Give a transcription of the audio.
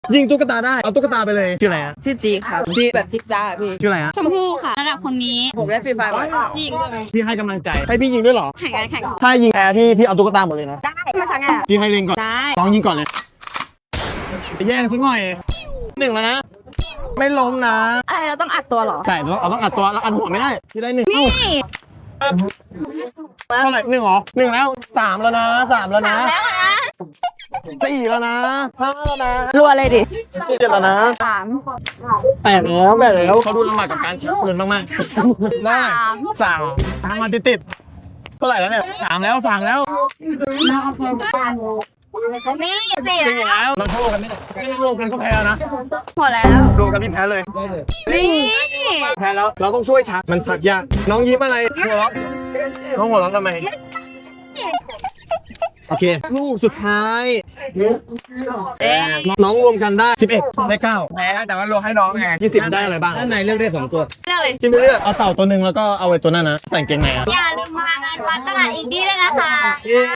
ยิงตุ๊กตาได้เอาตุ๊กตาไปเลยชื่ออะไรอะชื่อจีครับจีแบบจิ๊บจ้าพี่ชื่ออะไรอะชมพู่ค่ะระดับคนนี้ผมเล่นฟรีไฟบ่อยพี่ยิงด้วยไหมพี่ให้กำลังใจให้พี่ยิงด้วยเหรอแข่งกันแข่งถ้ายิงแพ้พี่เอาตุ๊กตาหมดเลยนะมาชักไงพี่ให้เล็งก่อนได้ต้องยิงก่อนเลยแย่งสักหน่อย1แล้วนะไม่ล้มนะอะไรเราต้องอัดตัวเหรอใช่ต้องอัดตัวแล้วอัดหัวไม่ได้พี่ได้1 นี่เท่าไหร่1เหรอ1แล้ว3แล้วนะ3แล้วนะแล้วนะ 4แล้วนะ5แล้วนะรัวเลยดิ 7แล้วนะ 3 8แล้วเขาดูลำบากกับการชักปืนมากๆได้3ทางมาติดๆเท่าไหร่แล้วเนี่ย3แล้วนี่ 3แล้วสี่จริงอยู่แล้วเราโทษกันไม่ได้โทษกันก็แพ้นะหมดแล้วโดนกันพี่แพ้เลยนี่แพ้แล้วเราต้องช่วยชักมันชักยากน้องยิ้มอะไรหัวเราะน้องหัวเราะทำไมโอเคลูกสุดท้ายน้องรวมกันได้11ได้9แพ้แต่ว่ารวมให้น้องไง20ได้อะไรบ้างด้านในเลือกได้2ตัวเลือกเลยที่ไม่เลือกเอาเต่าตัวหนึ่งแล้วก็เอาไว้ตัวนั้นนะใส่เกงในอะอย่าลืมมางานวัดตลาดอินดี้ด้วยนะคะ